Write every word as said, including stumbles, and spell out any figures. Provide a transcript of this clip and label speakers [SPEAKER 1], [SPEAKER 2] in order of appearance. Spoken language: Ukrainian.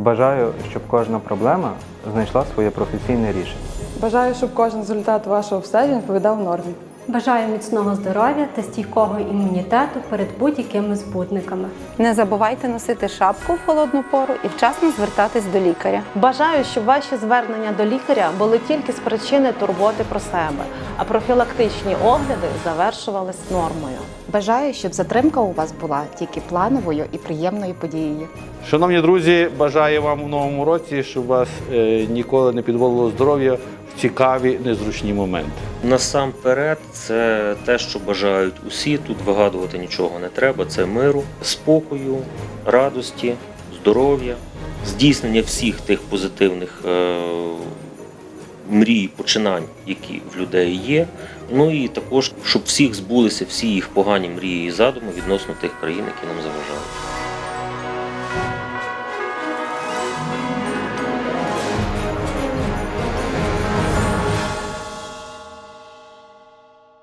[SPEAKER 1] Бажаю, щоб кожна проблема знайшла своє професійне рішення.
[SPEAKER 2] Бажаю, щоб кожен результат вашого обстеження відповідав нормі.
[SPEAKER 3] Бажаю міцного здоров'я та стійкого імунітету перед будь-якими збудниками.
[SPEAKER 4] Не забувайте носити шапку в холодну пору і вчасно звертатись до лікаря.
[SPEAKER 5] Бажаю, щоб ваші звернення до лікаря були тільки з причини турботи про себе, а профілактичні огляди завершувались нормою.
[SPEAKER 6] Бажаю, щоб затримка у вас була тільки плановою і приємною подією.
[SPEAKER 7] Шановні друзі, бажаю вам у новому році, щоб вас е, ніколи не підводило здоров'я в цікаві, незручні моменти.
[SPEAKER 8] Насамперед, це те, що бажають усі, тут вигадувати нічого не треба, це миру, спокою, радості, здоров'я, здійснення всіх тих позитивних е, мрій, починань, які в людей є. Ну і також, щоб всіх збулися всі їх погані мрії і задуми відносно тих країн, які нам заважають.